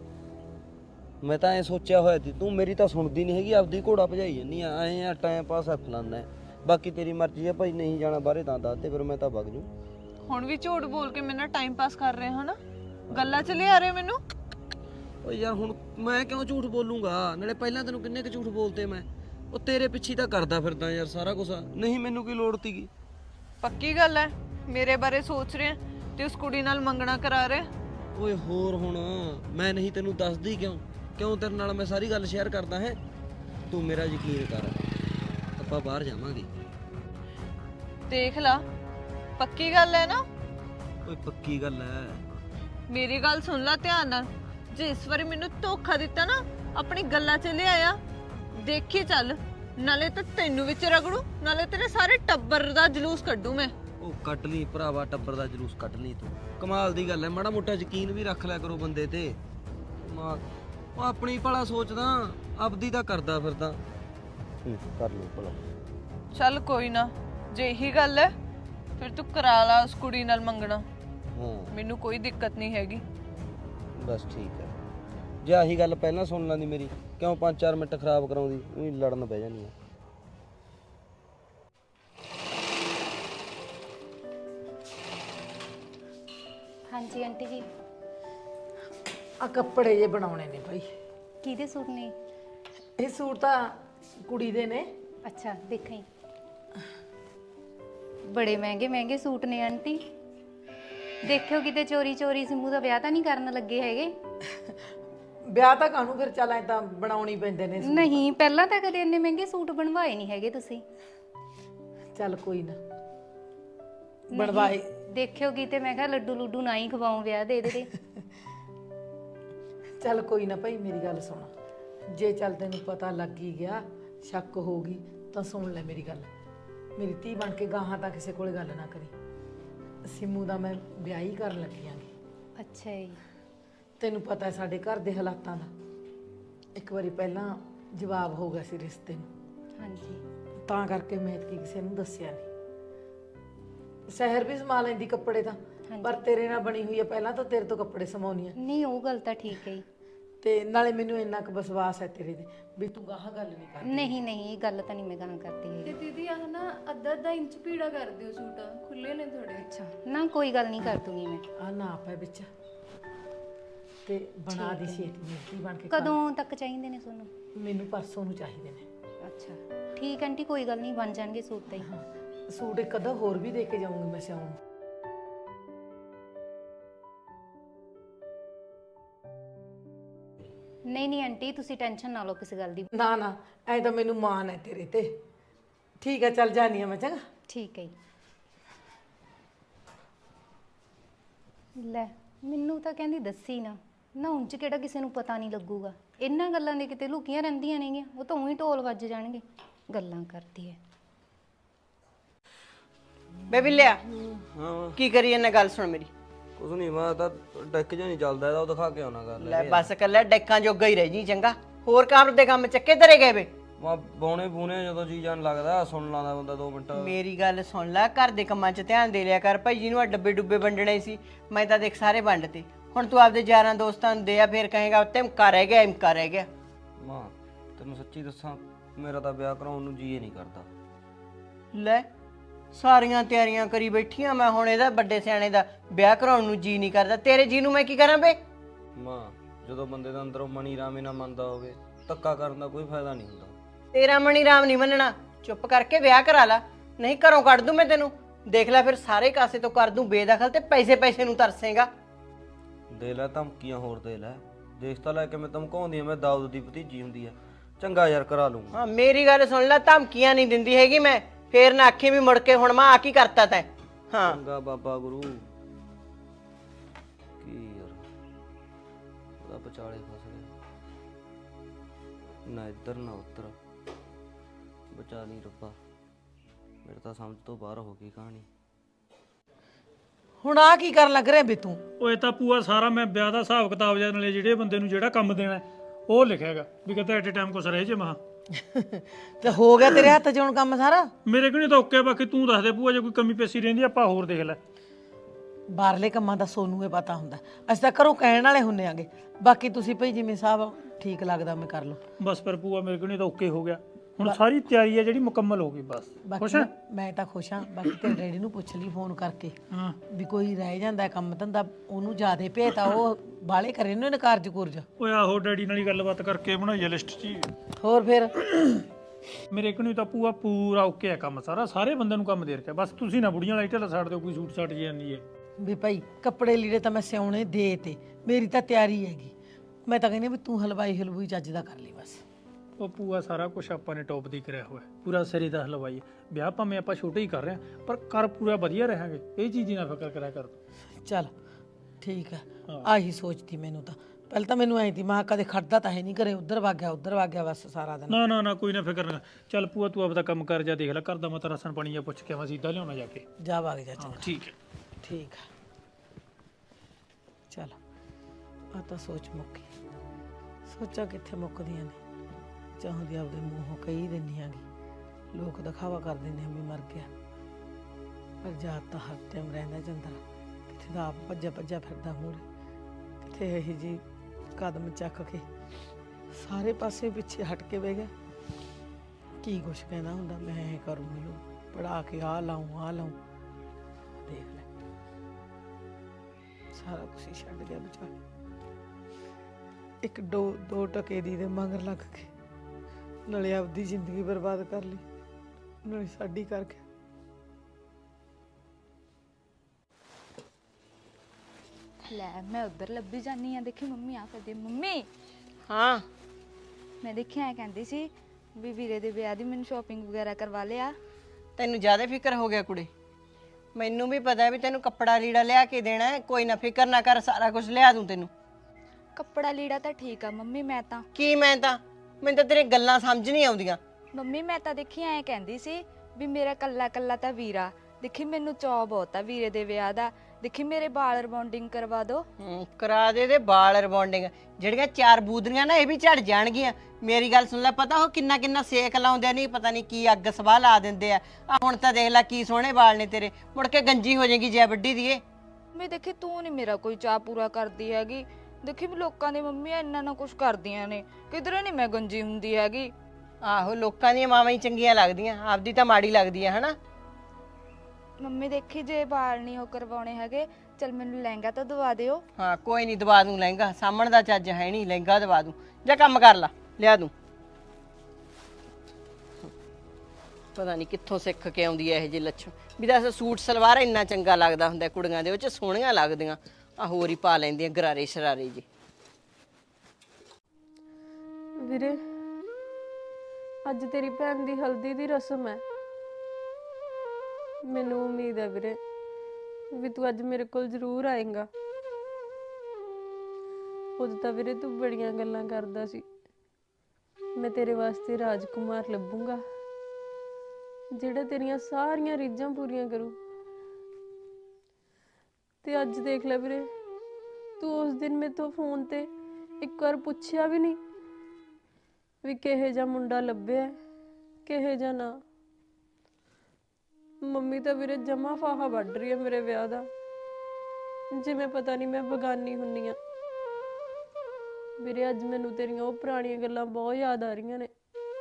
ਮੈਂ ਤਾਂ ਐ ਸੋਚਿਆ ਹੋਇਆ ਸੀ, ਤੂੰ ਮੇਰੀ ਤਾਂ ਸੁਣਦੀ ਨਹੀਂ ਹੈਗੀ, ਆਪਦੀ ਘੋੜਾ ਭਜਾਈ ਜਾਂਦੀ ਆ, ਐਂ ਆ ਟਾਈਮ ਪਾਸ ਆ ਫਲਾਨਾ। ਬਾਕੀ ਤੇਰੀ ਮਰਜ਼ੀ ਹੈ ਭਾਈ, ਨਹੀਂ ਜਾਣਾ ਬਾਹਰੇ ਤਾਂ ਦੱਸ ਦੇ, ਫਿਰ ਮੈਂ ਤਾਂ ਵਗ ਜੂ। ਹੁਣ ਵੀ ਝੂਠ ਬੋਲ ਕੇ ਮੇਰੇ ਨਾਲ ਟਾਈਮ ਪਾਸ ਕਰ ਰਹੇ ਹੋ ਨਾ, ਗੱਲਾਂ ਚ ਲਿਆ ਰਹੇ ਮੈਨੂੰ। ਓ ਯਾਰ ਹੁਣ ਮੈਂ ਕਿਉਂ ਝੂਠ ਬੋਲੂੰਗਾ? ਨਾਲੇ ਪਹਿਲਾਂ ਤੈਨੂੰ ਕਿੰਨੇ ਕੁ ਝੂਠ ਬੋਲਤੇ ਮੈਂ? ਉਹ ਤੇਰੇ ਪਿੱਛੇ ਤਾਂ ਕਰਦਾ ਫਿਰਦਾ ਯਾਰ ਸਾਰਾ ਕੁਝ, ਨਹੀਂ ਮੈਨੂੰ ਕੀ ਲੋੜ ਤੀਗੀ। ਪੱਕੀ ਗੱਲ ਹੈ ਮੇਰੇ ਬਾਰੇ ਸੋਚ ਰਿਹਾ ਤੇ ਉਸ ਕੁੜੀ ਨਾਲ ਮੰਗਣਾ ਕਰਾ ਰਿਹਾ? ਓਏ ਹੋਰ ਹੁਣ ਮੈਂ ਨਹੀਂ ਤੈਨੂੰ ਦੱਸਦੀ ਕਿਉਂ ਤੇਰੇ ਨਾਲ ਮੈਂ ਸਾਰੀ ਗੱਲ ਸ਼ੇਅਰ ਕਰਦਾ ਹੈ। ਤੂੰ ਮੇਰਾ ਯਕੀਨ ਕਰ, ਆਪਾਂ ਬਾਹਰ ਜਾਵਾਂਗੇ। ਦੇਖ ਲਾ, ਪੱਕੀ ਗੱਲ ਹੈ ਨਾ? ਓਏ ਪੱਕੀ ਗੱਲ ਹੈ। ਮੇਰੀ ਗੱਲ ਸੁਣ ਲੈ ਧਿਆਨ ਨਾਲ, ਜੇ ਇਸ ਵਾਰੀ ਮੈਨੂੰ ਧੋਖਾ ਦਿੱਤਾ ਨਾ, ਆਪਣੀ ਗੱਲਾਂ 'ਚ ਲਿਆਇਆ, ਦੇਖੀ ਚੱਲ, ਨਾਲੇ ਤਾਂ ਤੈਨੂੰ ਵਿੱਚ ਰਗੜੂ, ਨਾਲੇ ਤੇਰੇ ਸਾਰੇ ਟੱਬਰ ਦਾ ਜਲੂਸ ਕੱਢੂ ਮੈਂ। ਉਹ ਕੱਢ ਲਈ ਭਰਾਵਾ, ਟੱਬਰ ਦਾ ਜਲੂਸ ਕੱਢ ਲਈ ਤੂੰ, ਕਮਾਲ ਦੀ ਗੱਲ ਹੈ। ਮਾੜਾ ਮੋਟਾ ਯਕੀਨ ਵੀ ਰੱਖ ਲਿਆ ਕਰੋ ਬੰਦੇ ਤੇ। ਉਹ ਆਪਣੀ ਭਲਾ ਸੋਚਦਾ, ਆਪਦੀ ਤਾਂ ਕਰਦਾ ਫਿਰਦਾ। ਕਰ ਲਓ ਭਲਾ। ਚੱਲ ਕੋਈ ਨਾ, ਜੇ ਇਹੀ ਗੱਲ ਹੈ ਫਿਰ ਤੂੰ ਕਰਾ ਲਾ ਉਸ ਕੁੜੀ ਨਾਲ ਮੰਗਣਾ, ਹਾਂ ਮੈਨੂੰ ਕੋਈ ਦਿੱਕਤ ਨਹੀਂ ਹੈਗੀ। ਬਸ ਠੀਕ ਹੈ। ਜੇ ਆਹੀ ਗੱਲ ਪਹਿਲਾਂ ਸੁਣ ਲੈਂਦੀ ਮੇਰੀ, ਕਿਉਂ 5-4 ਮਿੰਟ ਖਰਾਬ ਕਰਾਉਂਦੀ? ਉਹੀ ਲੜਨ ਬਹਿ ਜਾਂਦੀ ਆ। ਹਾਂਜੀ ਆਂਟੀ ਜੀ। ਆ ਕੱਪੜੇ ਜੇ ਬਣਾਉਣੇ ਨੇ ਭਾਈ। ਕਿਹਦੇ ਸੂਟ ਨੇ? ਇਹ ਸੂਟ ਤਾਂ ਕੁੜੀ ਦੇ ਨੇ। ਅੱਛਾ ਦੇਖਾਂ। ਬੜੇ ਮਹਿੰਗੇ ਮਹਿੰਗੇ ਸੂਟ ਨੇ ਆਂਟੀ। ਦੇਖਿਓ ਕਿਤੇ ਚੋਰੀ ਚੋਰੀ ਸਿੰਮੂ ਦਾ ਵਿਆਹ ਤਾਂ ਨਹੀਂ ਕਰਨ ਲੱਗੇ ਹੈਗੇ। ਵਿਆਹ ਤਾਂ ਕਾਹਨੂੰ ਫਿਰ ਚੱਲ ਐ ਤਾਂ ਬਣਾਉਣੀ ਪੈਂਦੇ ਨੇ। ਨਹੀਂ, ਪਹਿਲਾਂ ਤਾਂ ਕਦੇ ਇੰਨੇ ਮਹਿੰਗੇ ਸੂਟ ਬਣਵਾਏ ਨਹੀਂ ਹੈਗੇ ਤੁਸੀਂ। ਚੱਲ ਕੋਈ ਨਾ ਬਣਵਾਏ। ਦੇਖਿਓ ਕਿਤੇ ਮੈਂ ਕਿਹਾ ਲੱਡੂ ਲੁੱਡੂ ਨਾ ਹੀ ਖਵਾਉਂ ਵਿਆਹ ਦੇ ਇਹਦੇ ਤੇ। ਚੱਲ ਕੋਈ ਨਾ ਭਾਈ, ਮੇਰੀ ਗੱਲ ਸੁਣ। ਜੇ ਚੱਲ ਤੈਨੂੰ ਪਤਾ ਲੱਗ ਹੀ ਗਿਆ, ਸ਼ੱਕ ਹੋ ਗਈ, ਤਾਂ ਸੁਣ ਲੈ ਮੇਰੀ ਗੱਲ। ਮੇਰੀ ਧੀ ਬਣ ਕੇ ਗਾਹਾਂ ਤਾਂ ਕਿਸੇ ਕੋਲੇ ਗੱਲ ਨਾ ਕਰੀ। ਸਿੰਮੂ ਦਾ ਮੈਂ ਵਿਆਹ ਹੀ ਕਰਨ ਲੱਗੀ ਆਂਗੀ। ਅੱਛਾ ਜੀ। ਤੈਨੂੰ ਪਤਾ ਹੈ ਸਾਡੇ ਘਰ ਦੇ ਹਾਲਾਤਾਂ ਦਾ। ਇੱਕ ਵਾਰੀ ਪਹਿਲਾਂ ਜਵਾਬ ਹੋ ਗਿਆ ਸੀ ਰਿਸ਼ਤੇ ਨੂੰ, ਹਾਂਜੀ। ਤਾਂ ਕਰਕੇ ਮੈਂ ਇਤਕੀ ਕਿਸੇ ਨੂੰ ਦੱਸਿਆ ਨਹੀਂ। ਸ਼ਹਿਰ ਵੀ ਸਮਾ ਲੈਂਦੀ ਕੱਪੜੇ ਤਾਂ, ਪਰ ਤੇਰੇ ਨਾਲ ਬਣੀ ਹੋਈ ਹੈ, ਪਹਿਲਾਂ ਤਾਂ ਤੇਰੇ ਤੋਂ ਕੱਪੜੇ ਸਮਾਉਣੀ ਆ। ਨਹੀਂ, ਉਹ ਗੱਲ ਤਾਂ ਠੀਕ ਹੈ ਜੀ। ਤੇ ਨਾਲੇ ਮੈਨੂੰ ਇੰਨਾ ਕੁ ਵਿਸ਼ਵਾਸ ਹੈ ਤੇਰੇ ਤੇ ਵੀ ਤੂੰ ਗਾਹਾਂ ਗੱਲ ਨਹੀਂ ਕਰਦੀ। ਨਹੀਂ ਨਹੀਂ, ਇਹ ਗੱਲ ਤਾਂ ਨਹੀਂ ਮੈਂ ਗਾਂ ਕਰਦੀ ਹੈਗੀ। ਤੇ ਦੀਦੀ ਆਹ ਨਾ ਅੱਧਾ ਇੰਚ ਪੀੜਾ ਕਰ ਦਿਓ, ਸੂਟ ਖੁੱਲੇ ਨੇ ਥੋੜੇ। ਅੱਛਾ, ਨਾ ਕੋਈ ਗੱਲ ਨਹੀਂ ਕਰ ਦੂੰਗੀ ਮੈਂ। ਆ ਨਾ ਪੈ ਵਿੱਚ ਤੇ ਬਣਾ ਦੀ ਛੇਤੀ ਮਿਰਤੀ ਬਣ ਕੇ। ਕਦੋਂ ਤੱਕ ਚਾਹੀਦੇ ਨੇ ਤੁਹਾਨੂੰ? ਮੈਨੂੰ ਪਰਸੋਂ ਨੂੰ ਚਾਹੀਦੇ ਨੇ। ਅੱਛਾ ਠੀਕ ਆਂਟੀ, ਕੋਈ ਗੱਲ ਨਹੀਂ, ਬਣ ਜਾਣਗੇ ਸੂਟ ਤਾਂ ਹੀ। ਹਾਂ, ਸੂਟ ਇੱਕ ਅੱਧਾ ਹੋਰ ਵੀ ਦੇ ਕੇ ਜਾਊਂਗੀ ਮੈਂ ਸਿਆਉਣ। ਨਹੀਂ ਨਹੀਂ ਆਂਟੀ, ਤੁਸੀਂ ਟੈਨਸ਼ਨ ਨਾ ਲਓ ਕਿਸੇ ਗੱਲ ਦੀ। ਨਾ ਨਾ, ਐ ਤਾਂ ਮੈਨੂੰ ਮਾਣ ਹੈ ਤੇਰੇ ਤੇ। ਠੀਕ ਹੈ, ਚੱਲ ਜਾਨੀ ਆ ਮੈਂ, ਚੰਗਾ। ਠੀਕ ਹੈ ਜੀ। ਲੈ, ਮੈਨੂੰ ਤਾਂ ਕਹਿੰਦੀ ਦੱਸੀ ਨਾ ਉਂਝ ਕਿਹੜਾ ਕਿਸੇ ਨੂੰ ਪਤਾ ਨਹੀਂ ਲੱਗੂਗਾ। ਇਹਨਾਂ ਗੱਲਾਂ ਦੇ ਕਿਤੇ ਲੁਕੀਆਂ ਰਹਿੰਦੀਆਂ ਨੇਗੀਆਂ, ਉਹ ਤਾਂ ਉਹੀ ਢੋਲ ਵੱਜ ਜਾਣਗੇ। ਗੱਲਾਂ ਕਰਦੀ ਹੈ। ਬੇ ਬਿੱਲਿਆ, ਹਾਂ ਕੀ ਕਰੀ ਇਹਨੇ? ਗੱਲ ਸੁਣ ਮੇਰੀ। ਕੁਝ ਨਹੀਂ, ਮੈਂ ਤਾਂ ਡੈਕ ਜਿਹਾ ਨਹੀਂ ਚੱਲਦਾ ਇਹਦਾ, ਉਹ ਦਿਖਾ ਕੇ ਆਉਣਾ ਕਰ ਲੈ ਬਸ ਕੱਲਾ ਡੈਕਾਂ ਜੋਗਾ ਹੀ ਰਹਿ ਜੀ, ਚੰਗਾ। ਹੋਰ ਕੰਮ ਦੇ ਕੰਮ ਚੱਕੇ ਤੇਰੇ ਗਏ ਵੇ? ਮੈਂ ਬੌਣੇ ਬੂਨੇ ਜਦੋਂ ਜੀ ਜਾਣ ਲੱਗਦਾ ਸੁਣ ਲਾਂਦਾ ਬੰਦਾ 2 ਮਿੰਟ। ਮੇਰੀ ਗੱਲ ਸੁਣ ਲੈ, ਘਰ ਦੇ ਕੰਮਾਂ 'ਚ ਧਿਆਨ ਦੇ ਲਿਆ ਕਰ ਭਾਈ। ਜਿਹਨੂੰ ਆ ਡੱਬੇ ਡੁੱਬੇ ਵੰਡਣੇ ਸੀ, ਮੈਂ ਤਾਂ ਦੇਖ ਸਾਰੇ ਵੰਡਤੇ। ਹੁਣ ਤੂੰ ਆਪਦੇ ਯਾਰਾਂ ਦੋਸਤਾਂ ਨੂੰ ਦੇ ਆ, ਫਿਰ ਕਹੇਗਾ ਉੱਤੇ ਇਮਕਾ ਰਹਿ ਗਿਆ, ਇਮਕਾ ਰਹਿ ਗਿਆ। ਮਾਂ ਤੈਨੂੰ ਸੱਚੀ ਦੱਸਾਂ, ਮੇਰਾ ਤਾਂ ਵਿਆਹ ਕਰਾਉਣ ਨੂੰ ਜੀ ਨਹੀਂ ਕਰਦਾ। ਲੈ, ਸਾਰੀਆਂ ਤਿਆਰੀਆਂ ਕਰੀ ਬੈਠੀਆਂ ਮੈਂ, ਹੁਣ ਇਹਦਾ ਵੱਡੇ ਸਿਆਣੇ ਦਾ ਵਿਆਹ ਕਰਾਉਣ ਨੂੰ ਜੀ ਨਹੀਂ ਕਰਦਾ। ਤੇਰੇ ਜੀ ਨੂੰ ਮੈਂ ਕੀ ਕਰਾਂ ਬੇ? ਮਾਂ ਜਦੋਂ ਬੰਦੇ ਦਾ ਅੰਦਰੋਂ ਮਣੀ ਰਾਮੇ ਨਾ ਮੰਨਦਾ ਹੋਵੇ, ਧੱਕਾ ਕਰਨ ਦਾ ਕੋਈ ਫਾਇਦਾ ਨਹੀਂ ਹੁੰਦਾ। ਤੇਰਾ ਮਣੀ ਰਾਮ ਨਹੀਂ ਮੰਨਣਾ, ਚੁੱਪ ਕਰਕੇ ਵਿਆਹ ਕਰਾ ਲਾ, ਨਹੀਂ ਘਰੋਂ ਕੱਢ ਦੂੰ ਮੈਂ ਤੈਨੂੰ। ਦੇਖ ਲੈ ਫਿਰ ਸਾਰੇ ਕਾਸੇ ਤੋਂ ਕਰ ਦੂੰ ਬੇਦਖਲ, ਤੇ ਪੈਸੇ ਨੂੰ ਤਰਸੇਗਾ। ਦੇ ਲੈ ਧਮਕੀਆਂ, ਹੋਰ ਦੇ ਲੈ। ਦੇਖ ਤਾਂ ਲੈ ਕੇ ਮੈਂ ਧਮਕਾਉਂਦੀ ਆ, ਮੈਂ ਦਾਊਦ ਦੀ ਭਤੀਜੀ ਹੁੰਦੀ ਆ। ਚੰਗਾ ਯਾਰ, ਕਰਾ ਲੂੰਗਾ। ਹਾਂ ਮੇਰੀ ਗੱਲ ਸੁਣ ਲੈ, ਧਮਕੀਆਂ ਨਹੀਂ ਦਿੰਦੀ ਹੈਗੀ ਮੈਂ। ਫੇਰ ਨਾ ਆਖੀ ਵੀ ਮੁੜ ਕੇ ਹੁਣ ਮੈਂ ਆ ਕੀ ਕਰਤਾ ਤੈਂ। ਹਾਂ ਚੰਗਾ ਬਾਬਾ ਗੁਰੂ। ਕੀ ਯਾਰ, ਉਹਦਾ ਵਿਚਾਲੇ ਫਸ ਗਿਆ, ਨਾ ਇੱਧਰ ਨਾ ਉੱਧਰ। ਬਚਾ ਨਹੀਂ ਰੱਬਾ, ਮੇਰੇ ਤਾਂ ਸਮਝ ਤੋਂ ਬਾਹਰ ਹੋ ਗਈ ਕਹਾਣੀ। ਹੁਣ ਆ ਕੀ ਕਰਨ ਲੱਗ ਰਿਹਾ ਬੇ ਤੂੰ? ਉਹ ਇਹ ਤਾਂ ਪੂਆ ਸਾਰਾ ਮੈਂ ਵਿਆਹ ਦਾ ਹਿਸਾਬ ਕਿਤਾਬ ਜਾਂ ਨਾਲੇ ਜਿਹੜੇ ਬੰਦੇ ਨੂੰ ਜਿਹੜਾ ਕੰਮ ਦੇਣਾ ਉਹ ਲਿਖਿਆਗਾ ਵੀ ਕਿਤੇ ਐਟ ਟਾਈਮ ਕੁਛ ਰਹਿ ਜੇ ਮਹਾ। ਤੇ ਹੋ ਗਿਆ ਤੇਰੇ ਹੱਥ 'ਚ ਹੁਣ ਕੰਮ ਸਾਰਾ? ਮੇਰੇ ਕੋਲ ਨਹੀਂ ਤਾਂ ਓਕੇ, ਬਾਕੀ ਤੂੰ ਦੱਸ ਦੇ ਪੂਆ, ਜੇ ਕੋਈ ਕਮੀ ਪੇਸ਼ੀ ਰਹਿੰਦੀ ਆਪਾਂ ਹੋਰ ਦੇਖ ਲੈ। ਬਾਹਰਲੇ ਕੰਮਾਂ ਦਾ ਸੋਨੂੰ ਇਹ ਪਤਾ ਹੁੰਦਾ, ਅਸੀਂ ਤਾਂ ਘਰੋਂ ਕਹਿਣ ਵਾਲੇ ਹੁੰਨੇ ਆਂਗੇ। ਬਾਕੀ ਤੁਸੀਂ ਭਾਈ ਜਿਵੇਂ ਸਾਹਿਬ ਠੀਕ ਲੱਗਦਾ ਮੈਂ ਕਰ ਲਓ। ਬਸ ਪਰ ਪੂਆ ਮੇਰੇ ਕੋਲ ਨਹੀਂ ਤਾਂ ਓਕੇ ਹੋ ਗਿਆ। ਹੁਣ ਸਾਰੀ ਤਿਆਰੀ ਹੈ ਜਿਹੜੀ ਮੁਕੰਮਲ ਹੋ ਗਈ ਬਸ। ਖੁਸ਼ ਹੈ? ਮੈਂ ਤਾਂ ਖੁਸ਼ ਹਾਂ। ਬਾਕੀ ਤੇਰੇ ਡੈਡੀ ਨੂੰ ਪੁੱਛ ਲਈ ਫੋਨ ਕਰਕੇ ਹਾਂ ਵੀ ਕੋਈ ਰਹਿ ਜਾਂਦਾ ਕੰਮ ਧੰਦਾ, ਉਹਨੂੰ ਜ਼ਿਆਦੇ ਭੇਜਤਾ, ਉਹ ਬਾਲੇ ਕਰੇ ਨੇ ਉਹਨੇ ਕਾਰਜ ਕੁਰਜ। ਓਏ ਆਹੋ, ਡੈਡੀ ਨਾਲ ਹੀ ਗੱਲਬਾਤ ਕਰਕੇ ਬਣਾਈ ਹੈ ਲਿਸਟ ਜੀ। ਹੋਰ ਫਿਰ ਮੇਰੇ ਕੋਲ ਨਹੀਂ ਤਾਂ ਪੂਆ ਪੂਰਾ ਓਕੇ ਹੈ ਕੰਮ ਸਾਰਾ, ਸਾਰੇ ਬੰਦਿਆਂ ਨੂੰ ਕੰਮ ਦੇ ਰੱਖਿਆ। ਬਸ ਤੁਸੀਂ ਨਾ ਬੁੜੀਆਂ ਵਾਲੀ ਢਿੱਲਾ ਛੱਡ ਦਿਓ, ਕੋਈ ਸੂਟ ਸਾਟ ਜੀ ਜਾਂਦੀ ਹੈ। ਵੀ ਭਾਈ ਕੱਪੜੇ ਲੀੜੇ ਤਾਂ ਮੈਂ ਸਿਉਣੇ ਦੇ ਤੇ, ਮੇਰੀ ਤਾਂ ਤਿਆਰੀ ਹੈਗੀ। ਮੈਂ ਤਾਂ ਕਹਿੰਦੀ ਵੀ ਤੂੰ ਹਲਵਾਈ ਚੱਜ ਦਾ ਕਰ ਲਈ ਬਸ। ਉਹ ਪੂਆ ਸਾਰਾ ਕੁਝ ਆਪਾਂ ਨੇ ਟੌਪ ਦੀ ਕਰਿਆ ਹੋਇਆ, ਪੂਰਾ ਸਿਰੇ ਦਾ ਹਲਵਾਈ ਹੈ। ਵਿਆਹ ਭਾਵੇਂ ਆਪਾਂ ਛੋਟੇ ਹੀ ਕਰ ਰਹੇ ਹਾਂ, ਪਰ ਕਰ ਪੂਰਾ ਵਧੀਆ ਰਹਾਂਗੇ, ਇਹ ਚੀਜ਼ ਦੀ ਨਾ ਫਿਕਰ ਕਰਿਆ ਕਰ ਤੂੰ। ਚੱਲ ਠੀਕ ਹੈ, ਆਹੀ ਸੋਚਦੀ ਮੈਨੂੰ ਤਾਂ। ਪਹਿਲਾਂ ਤਾਂ ਮੈਨੂੰ ਐਂ ਤੀ, ਮੈਂ ਕਦੇ ਖੜਦਾ ਤਾਂ ਹੈ ਨਹੀਂ ਘਰੇ, ਉੱਧਰ ਵਗ ਗਿਆ ਬਸ ਸਾਰਾ ਦਿਨ। ਨਾ ਕੋਈ ਨਾ ਫਿਕਰ ਨਾ। ਚੱਲ ਪੂਆ ਤੂੰ ਆਪਦਾ ਕੰਮ ਕਰ ਜਾ, ਦੇਖ ਲੈ ਘਰ ਦਾ ਮੈਂ ਤਾਂ ਰਸਣ ਪਾਣੀ ਜਾਂ ਪੁੱਛ ਕੇ ਆਵਾਂ, ਸਿੱਧਾ ਲਿਆਉਣਾ ਜਾ ਕੇ। ਜਾ ਵਗ ਜਾ ਚੰਗਾ। ਠੀਕ ਹੈ। ਠੀਕ ਹੈ, ਚੱਲ ਆ ਤਾਂ ਸੋਚ ਮੁੱਕੀ। ਸੋਚਾਂ ਕਿੱਥੇ ਮੁੱਕਦੀਆਂ ਨੇ, ਚਾਹੁੰਦੀ ਆਪਦੇ ਮੂੰਹੋਂ ਕਹੀ ਦਿੰਦੀ ਆਂਗੀ, ਲੋਕ ਦਿਖਾਵਾ ਕਰ ਦਿੰਦੇ ਆ ਵੀ ਮਰ ਗਿਆ, ਪਰ ਜਾਤ ਤਾਂ ਹਰ ਟਾਈਮ ਰਹਿੰਦਾ ਚੰਦਰਾ। ਕਿੱਥੇ ਦਾ ਆਪ ਭੱਜਾ ਫਿਰਦਾ ਮੂਹਰੇ, ਕਿੱਥੇ ਇਹ ਜੀ ਕਦਮ ਚੱਕ ਕੇ ਸਾਰੇ ਪਾਸੇ ਪਿੱਛੇ ਹਟ ਕੇ ਬਹਿ ਗਿਆ। ਕੀ ਕੁਛ ਕਹਿੰਦਾ ਹੁੰਦਾ, ਮੈਂ ਇਹ ਕਰੂੰਗੀ, ਲੋ ਪੜਾ ਕੇ ਆ ਲਾਉਂ। ਦੇਖ ਲੈ ਸਾਰਾ ਕੁਛ ਹੀ ਛੱਡ ਗਿਆ ਵਿਚਾਰ। ਇੱਕ ਦੋ ਟਕੇ ਦੀ ਦੇ ਮਗਰ ਲੱਗ ਕੇ ਨਾਲੇ ਆਪਦੀ ਜ਼ਿੰਦਗੀ ਬਰਬਾਦ ਕਰ ਲਈ, ਨਾਲੇ ਸਾਡੀ ਕਰਕੇ। ਲੈ ਮੈਂ ਉਧਰ ਲੱਭੀ ਜਾਨੀ ਆ, ਦੇਖੀ ਮੰਮੀ ਆ ਕਰਦੀ। ਮੰਮੀ ਹਾਂ ਮੈਂ ਦੇਖਿਆ ਕਹਿੰਦੀ ਸੀ ਵੀ ਵੀਰੇ ਦੇ ਵਿਆਹ ਦੀ ਮੈਨੂੰ ਸ਼ਾਪਿੰਗ ਵਗੈਰਾ ਕਰਵਾ ਲਿਆ। ਤੈਨੂੰ ਜ਼ਿਆਦਾ ਫਿਕਰ ਹੋ ਗਿਆ ਕੁੜੇ। ਮੈਨੂੰ ਵੀ ਪਤਾ ਵੀ ਤੈਨੂੰ ਕੱਪੜਾ ਲੀੜਾ ਲਿਆ ਕੇ ਦੇਣਾ ਹੈ, ਕੋਈ ਨਾ ਫਿਕਰ ਨਾ ਕਰ, ਸਾਰਾ ਕੁਝ ਲਿਆ ਦੂੰ ਤੈਨੂੰ। ਕੱਪੜਾ ਲੀੜਾ ਤਾਂ ਠੀਕ ਆ ਮੰਮੀ, ਮੈਨੂੰ ਤਾਂ ਤੇਰੀਆਂ ਗੱਲਾਂ ਸਮਝ ਨਹੀਂ ਆਉਂਦੀਆਂ। ਮੰਮੀ ਮੈਂ ਤਾਂ ਦੇਖੀ ਐ ਕਹਿੰਦੀ ਸੀ ਵੀ ਮੇਰਾ ਕੱਲਾ ਕੱਲਾ ਤਾਂ ਵੀਰਾ, ਦੇਖੀ ਮੈਨੂੰ ਚਾਅ ਬਹੁਤ ਆ ਵੀਰੇ ਦੇ ਵਿਆਹ ਦਾ, ਦੇਖੀ ਮੇਰੇ ਵਾਲ ਰਿਬੌਂਡਿੰਗ ਕਰਵਾ ਦੋ। ਕਰਾ ਦੇ ਵਾਲ ਰਿਬੌਂਡਿੰਗ, ਜਿਹੜੀਆਂ 4 ਬੂਦਰੀਆਂ ਨਾ ਇਹ ਵੀ ਝੜ ਜਾਣਗੀਆਂ। ਮੇਰੀ ਗੱਲ ਸੁਣ ਲੈ, ਪਤਾ ਉਹ ਕਿੰਨਾ ਕਿੰਨਾ ਸੇਕ ਲਾਉਂਦੇ ਨਹੀਂ, ਪਤਾ ਨਹੀਂ ਕੀ ਅੱਗ ਸਵਾਹ ਲਾ ਦਿੰਦੇ ਆ। ਹੁਣ ਤਾਂ ਦੇਖ ਲੈ ਕੀ ਸੋਹਣੇ ਵਾਲ ਨੇ ਤੇਰੇ, ਮੁੜ ਕੇ ਗੰਜੀ ਹੋ ਜਾਏਗੀ ਜੇ ਵੱਡੀ ਦੀਏ। ਮੈਂ ਦੇਖੀ ਤੂੰ ਨਹੀਂ ਮੇਰਾ ਕੋਈ ਚਾਅ ਪੂਰਾ ਕਰਦੀ ਹੈਗੀ, ਦੇਖੀ ਲੋਕਾਂ ਦੀ ਮੰਮੀਆਂ ਇੰਨਾ ਨਾ ਕੁਝ ਕਰਦੀਆਂ ਨੇ, ਕਿਧਰੇ ਨਹੀਂ ਮੈਂ ਗੰਜੀ ਹੁੰਦੀ ਹੈਗੀ। ਆਹੋ ਲੋਕਾਂ ਦੀਆਂ ਮਾਵਾਂ ਹੀ ਚੰਗੀਆਂ ਲੱਗਦੀਆਂ, ਆਪਦੀ ਤਾਂ ਮਾੜੀ ਲੱਗਦੀ ਆ ਹਨਾ। ਮੰਮੀ ਦੇਖੀ ਜੇ ਵਾਲ ਨਹੀਂ ਉਹ ਕਰਵਾਉਣੇ ਹੈਗੇ, ਚਲ ਮੈਨੂੰ ਲਹਿੰਗਾ ਤਾਂ ਦਵਾ ਦਿਓ। ਹਾਂ ਕੋਈ ਨਹੀਂ ਦਵਾ ਦੂੰ ਲਹਿੰਗਾ, ਸਾਹਮਣ ਦਾ ਚੱਜ ਹੈ ਨਹੀਂ, ਲਹਿੰਗਾ ਦਵਾ ਦੂੰ। ਜਾ ਕੰਮ ਕਰ ਲਾ, ਲਿਆ ਦੂੰ। ਪਤਾ ਨਹੀਂ ਕਿੱਥੋਂ ਸਿੱਖ ਕੇ ਆਉਂਦੀ ਐ ਇਹ ਜਿਹੇ ਲੱਛਣ ਵੀ। ਦੱਸ ਸੂਟ ਸਲਵਾਰ ਇੰਨਾ ਚੰਗਾ ਲੱਗਦਾ ਹੁੰਦਾ ਕੁੜੀਆਂ ਦੇ, ਉਹ ਚ ਸੋਹਣੀਆਂ ਲੱਗਦੀਆਂ, ਆ ਹੋਰ ਹੀ ਪਾ ਲੈਂਦੀਆਂ ਗਰਾਰੇ ਸ਼ਰਾਰੇ ਜੀ। ਵੀਰੇ ਅੱਜ ਤੇਰੀ ਭੈਣ ਦੀ ਹਲਦੀ ਦੀ ਰਸਮ ਹੈ। ਮੈਨੂੰ ਉਮੀਦ ਹੈ ਵੀਰੇ ਵੀ ਤੂੰ ਅੱਜ ਮੇਰੇ ਕੋਲ ਜ਼ਰੂਰ ਆਏਂਗਾ। ਉਦੋਂ ਤਾਂ ਵੀਰੇ ਤੂੰ ਬੜੀਆਂ ਗੱਲਾਂ ਕਰਦਾ ਸੀ, ਮੈਂ ਤੇਰੇ ਵਾਸਤੇ ਰਾਜਕੁਮਾਰ ਲੱਭੂੰਗਾ ਜਿਹੜਾ ਤੇਰੀਆਂ ਸਾਰੀਆਂ ਰੀਝਾਂ ਪੂਰੀਆਂ ਕਰੂ। ਤੇ ਅੱਜ ਦੇਖ ਲੈ ਵੀਰੇ, ਤੂੰ ਉਸ ਦਿਨ ਮੇਥੋਂ ਫੋਨ ਤੇ ਇੱਕ ਵਾਰ ਪੁੱਛਿਆ ਵੀ ਨਹੀਂ ਵੀ ਕਿਹੇ ਜਿਹਾ ਮੁੰਡਾ ਲੱਭਿਆ, ਕਿਹੇ ਜਿਹਾ ਨਾ। ਮੰਮੀ ਤਾਂ ਵੀਰੇ ਜਮਾ ਫਾਹਾ ਵੱਢ ਰਹੀ ਹੈ ਮੇਰੇ ਵਿਆਹ ਦਾ, ਜਿਵੇਂ ਪਤਾ ਨਹੀਂ ਮੈਂ ਬਗਾਨੀ ਹੁੰਨੀ ਆ। ਵੀਰੇ ਅੱਜ ਮੈਨੂੰ ਤੇਰੀਆਂ ਉਹ ਪੁਰਾਣੀਆਂ ਗੱਲਾਂ ਬਹੁਤ ਯਾਦ ਆ ਰਹੀਆਂ ਨੇ।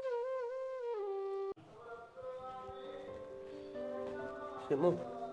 ਸਿਮੂ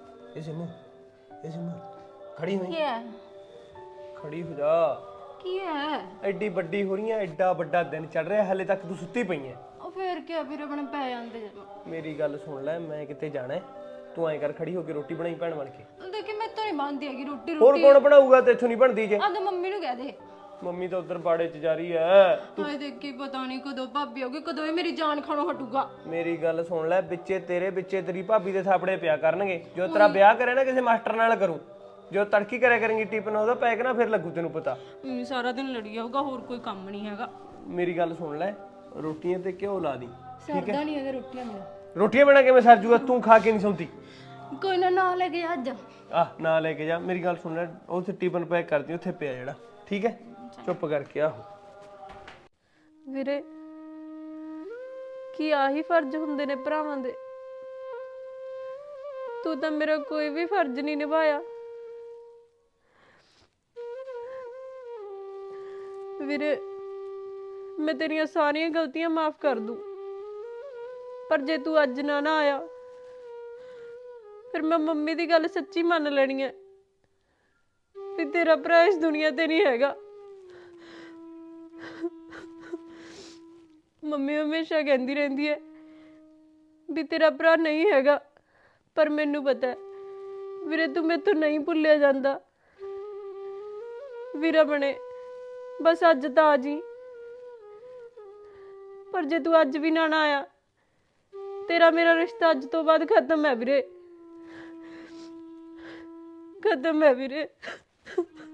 ਖੜੀ ਹੋਈ, ਕੀ ਹੈ? ਖੜੀ ਹੋ ਜਾ। ਕੀ ਹੈ? ਐਡੀ ਵੱਡੀ ਹੋ ਰਹੀ ਐ, ਐਡਾ ਵੱਡਾ ਦਿਨ ਚੜ ਰਿਹਾ, ਹਲੇ ਤੱਕ ਤੂੰ ਸੁੱਤੀ ਪਈ ਐ। ਉਹ ਫੇਰ ਕੀ ਵੀਰੇ ਆਪਣੇ ਪੈ ਜਾਂਦੇ ਜਦੋਂ। ਮੇਰੀ ਗੱਲ ਸੁਣ ਲੈ, ਮੈਂ ਕਿਤੇ ਜਾਣਾ, ਤੂੰ ਐਂ ਕਰ ਖੜੀ ਹੋ ਕੇ ਰੋਟੀ ਬਣਾਈ ਭੈਣ ਬਣ ਕੇ। ਦੇਖੀ ਮੈਂ ਤਾਂ ਨਹੀਂ ਬਣਦੀ ਹੈਗੀ ਰੋਟੀ। ਹੋਰ ਕੌਣ ਬਣਾਊਗਾ, ਤੇਥੋਂ ਨਹੀਂ ਬਣਦੀ ਜੇ। ਆਹ ਮੰਮੀ ਨੂੰ ਕਹਿ ਦੇ। ਮੰਮੀ ਤਾਂ ਉਧਰ ਬਾੜੇ 'ਚ ਜਾ ਰਹੀ ਐ। ਹਾਏ ਦੇਖੀ ਪਤਾ ਨਹੀਂ ਕਦੋਂ ਭਾਬੀ ਆਉਗੀ, ਕਦੋਂ ਇਹ ਮੇਰੀ ਜਾਨ ਖਾਣੋਂ ਹਟੂਗਾ। ਮੇਰੀ ਗੱਲ ਸੁਣ ਲੈ, ਵਿੱਚੇ ਤੇਰੇ ਵਿੱਚੇ ਤੇਰੀ ਭਾਬੀ ਦੇ ਥਾਪੜੇ ਪਿਆ ਕਰਨਗੇ। ਜੋ ਤੇਰਾ ਵਿਆਹ ਕਰੇ ਨਾ ਕਿਸੇ ਮਾਸਟਰ ਨਾਲ ਕਰੂ, ਜੋ ਤੜਕੀ ਕਰਿਆ ਕਰੇਂਗੀ ਟਿਪਨ, ਉਹਦਾ ਪੈਕ ਨਾ ਫਿਰ ਲੱਗੂ ਤੈਨੂੰ ਪਤਾ। ਸਾਰਾ ਦਿਨ ਲੜੀ ਜਾਊਗਾ, ਹੋਰ ਕੋਈ ਕੰਮ ਨਹੀਂ ਹੈਗਾ। ਮੇਰੀ ਗੱਲ ਸੁਣ ਲੈ, ਰੋਟੀਆਂ ਤੇ ਘਿਓ ਲਾ ਦੀ, ਠੀਕ ਹੈ? ਨਹੀਂ ਹੈਗਾ ਰੋਟੀਆਂ ਬਿਨਾਂ। ਰੋਟੀਆਂ ਬਣਾ ਕਿਵੇਂ ਸਰ ਜੂਗਾ, ਤੂੰ ਖਾ ਕੇ ਨਹੀਂ ਸੌਂਦੀ। ਕੋਈ ਨਾ ਲੈ ਕੇ ਅੱਜ। ਨਾ ਲੈ ਕੇ ਜਾ। ਮੇਰੀ ਗੱਲ ਸੁਣ ਲੈ, ਉੱਥੇ ਟਿਫਨ ਪੈਕ ਕਰਦੀ, ਉੱਥੇ ਪਿਆ ਜਿਹੜਾ, ਠੀਕ ਹੈ? ਚੁੱਪ ਕਰਕੇ ਆਹੋ। ਵੀਰੇ ਕੀ ਆਹੀ ਫਰਜ਼ ਹੁੰਦੇ ਨੇ ਭਰਾਵਾਂ ਦੇ? ਤੂੰ ਤਾਂ ਮੇਰਾ ਕੋਈ ਵੀ ਫਰਜ਼ ਨਹੀਂ ਨਿਭਾਇਆ। ਵੀਰੇ ਮੈਂ ਤੇਰੀਆਂ ਸਾਰੀਆਂ ਗਲਤੀਆਂ ਮਾਫ ਕਰ ਦੂੰ, ਪਰ ਜੇ ਤੂੰ ਅੱਜ ਨਾ ਆਇਆ ਫਿਰ ਮੈਂ ਮੰਮੀ ਦੀ ਗੱਲ ਸੱਚੀ ਮੰਨ ਲੈਣੀ ਹੈ ਵੀ ਤੇਰਾ ਭਰਾ ਇਸ ਦੁਨੀਆ ਤੇ ਨਹੀਂ ਹੈਗਾ। ਮੰਮੀ ਹਮੇਸ਼ਾ ਕਹਿੰਦੀ ਰਹਿੰਦੀ ਹੈ ਵੀ ਤੇਰਾ ਭਰਾ ਨਹੀਂ ਹੈਗਾ, ਪਰ ਮੈਨੂੰ ਪਤਾ ਹੈ ਵੀਰੇ ਤੂੰ ਮੇਰੇ ਤੋਂ ਨਹੀਂ ਭੁੱਲਿਆ ਜਾਂਦਾ। ਵੀਰਾ ਬਣੇ ਬਸ ਅੱਜ ਤਾਂ ਆ ਜੀ, ਪਰ ਜੇ ਤੂੰ ਅੱਜ ਵੀ ਨਾ ਆਇਆ ਤੇਰਾ ਮੇਰਾ ਰਿਸ਼ਤਾ ਅੱਜ ਤੋਂ ਬਾਅਦ ਖਤਮ ਹੈ ਵੀਰੇ, ਖਤਮ ਹੈ ਵੀਰੇ।